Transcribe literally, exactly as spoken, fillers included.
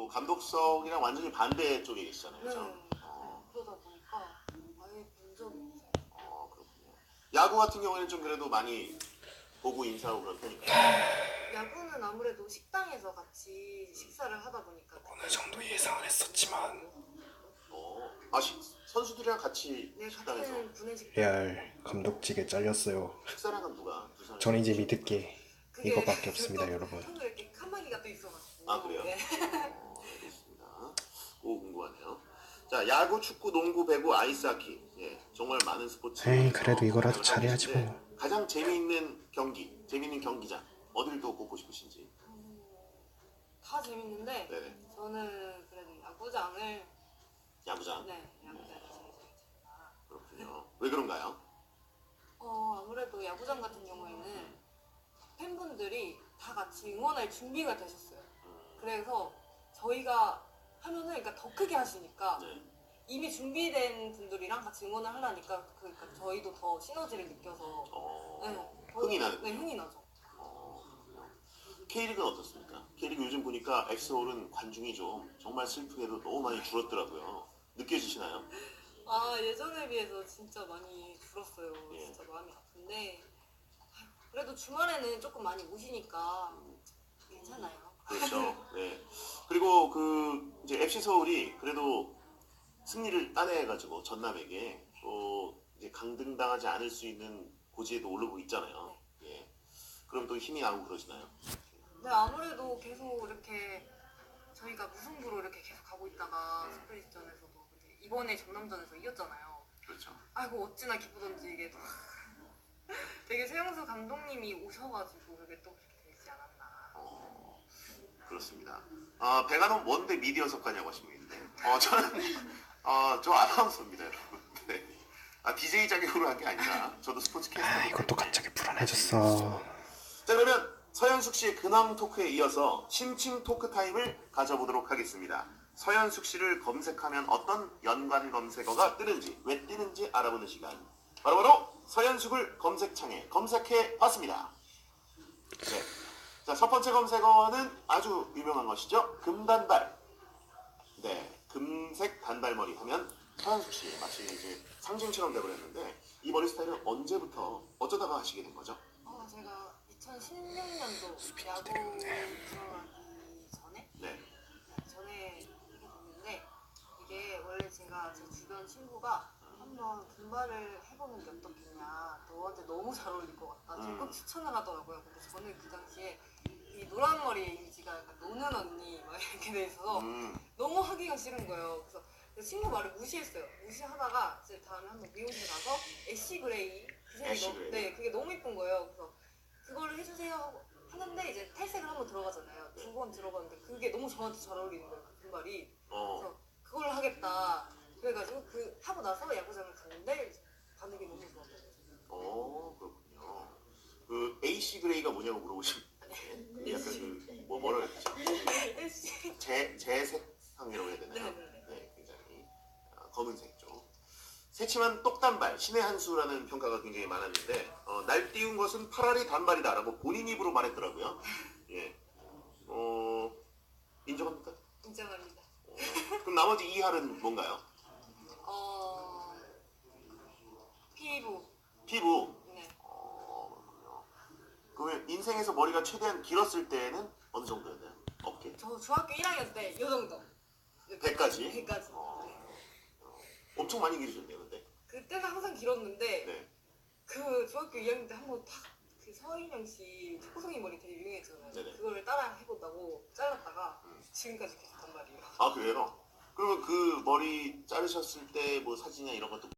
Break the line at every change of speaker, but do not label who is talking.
또 감독석이랑 완전히 반대 쪽에 계시잖아요,
네.
그죠? 어,
그러다 보니까 아예 본 적이 없어요.
어, 그렇군요. 야구 같은 경우에는 좀 그래도 많이 보고 인사하고 그런 편인가요?
야구는 아무래도 식당에서 같이 식사를 하다 보니까
어느 정도 예상을 했었지만
어, 아, 시, 선수들이랑 같이
네,
식당에서
같은 구내식당.
레알 감독직에 잘렸어요.
식사를 한 건 누가? 두 사람이?
전 이제 믿을 게
그게
이거밖에 없습니다,
또
여러분.
형도 이렇게 칸막이가 또 있어가지고.
아, 그래요?
네.
어, 알겠습니다. 오, 궁금하네요. 자, 야구, 축구, 농구, 배구, 아이스하키. 예, 정말 많은 스포츠.
에이, 그래도 이거라도 잘해야지 뭐.
가장 재미있는 경기, 재미있는 경기장 어디를 또 꼽고 싶으신지.
음, 다 재밌는데
네네.
저는 그래도 야구장을
야구장.
네 야구장이 제일 재밌습니다.
그렇군요. 왜 그런가요?
어 아무래도 야구장 같은 경우에는 팬분들이 다 같이 응원할 준비가 되셨어요. 그래서 저희가 하면은 그러니까 더 크게 하시니까
네.
이미 준비된 분들이랑 같이 응원을 하려니까 그러니까 저희도 더 시너지를 느껴서
어,
네, 더-
흥이 나는.
네 흥이 나죠.
어, 그렇군요. K리그는 어떻습니까? K리그 요즘 보니까 엑스홀은 관중이 좀 정말 슬프게도 너무 많이 줄었더라고요. 느껴지시나요?
아 예전에 비해서 진짜 많이 줄었어요.
예.
진짜 마음이 아픈데 아휴, 그래도 주말에는 조금 많이 오시니까 괜찮아요.
그렇죠. 네. 그리고 그 이제 에프씨 서울이 그래도 승리를 따내가지고 전남에게 또 이제 강등당하지 않을 수 있는 고지에도 오르고 있잖아요. 예. 그럼 또 힘이 나고 그러시나요?
네 아무래도 계속 이렇게 저희가 무승부로 이렇게 계속 가고 있다가 스프릿전에서도 근데 이번에 전남전에서 이겼잖아요.
그렇죠.
아이고 어찌나 기쁘던지 이게 또 되게 최영수 감독님이 오셔가지고 그게 또 그렇게 되지 않았나.
어, 그렇습니다. 아, 백안원 뭔데 미디어 석가냐고 하시는데, 어, 저는 어, 저 아나운서입니다, 여러분. 네. 아, 디제이 자격으로 한 게 아니라 저도 스포츠 캐스터.
아, 이것도 갑자기 불안해졌어.
자, 그러면 서현숙 씨의 근황 토크에 이어서 심층 토크 타임을 가져보도록 하겠습니다. 서현숙 씨를 검색하면 어떤 연관 검색어가 뜨는지, 왜 뜨는지 알아보는 시간. 바로바로 서현숙을 검색창에 검색해 봤습니다. 네. 자, 첫 번째 검색어는 아주 유명한 것이죠. 금단발. 네, 금색 단발머리 하면 서현숙 씨 마치 이제 상징처럼 돼버렸는데 이 머리 스타일은 언제부터 어쩌다가 하시게 된 거죠?
어 제가 이천십육 년도 야구 들어가기 전에
네.
전에 이게 됐는데 이게 원래 제가 제 주변 친구가 한번 금발을 해보는 게 어떻겠냐 너한테 너무 잘 어울릴 것 같다 적극
음.
추천을 하더라고요. 근데 저는 그 당시에 이 노란 머리의 이미지가 약간 노는 언니 막 이렇게 돼 있어서
음,
너무 하기가 싫은 거예요. 그래서 그 친구 말을 무시했어요. 무시하다가 이제 다음에 한번 미용실 가서 애쉬 그레이 그 색이
애쉬
너무,
그레이.
네 그게 너무 이쁜 거예요. 그래서 그거를 해주세요 하고 하는데 이제 탈색을 한번 들어가잖아요. 두 번 들어갔는데 그게 너무 저한테 잘 어울리는 거예요. 그 금발이.
어,
그래서 그걸 하겠다. 그래가지고 그 하고 나서 야구장을 갔는데 반응이 너무 좋았어요.
어, 그렇군요. 그 에이씨 그레이가 뭐냐고 물어보시면 약간 그 뭐 뭐라 그랬죠?
애쉬.
재 재색상이라고 해야 되나요?
네네네.
네, 굉장히 아, 검은색 쪽. 새침한 똑단발, 신의 한 수라는 평가가 굉장히 많았는데 어, 날 띄운 것은 파라리 단발이다라고 본인 입으로 말했더라고요. 예. 어, 인정합니까?
인정합니다.
어, 그럼 나머지 이 할은 뭔가요?
어 피부.
피부.
네.
어, 그렇군요. 그러면 인생에서 머리가 최대한 길었을 때는 어느 정도였나요? 어깨?
저 중학교 일 학년 때 이 정도.
배까지?
배까지.
어,
네.
엄청 많이 길으셨네요, 근데.
그때는 항상 길었는데
네.
그 중학교 이 학년 때 한번 탁그 서인영 씨 초코송이 머리 되게 유행했잖아요.
네네.
그거를 따라 해본다고 잘랐다가
음.
지금까지 계속 단발이에요.
아, 그래요? 그러면 그 머리 자르셨을 때 뭐 사진이나 이런 것도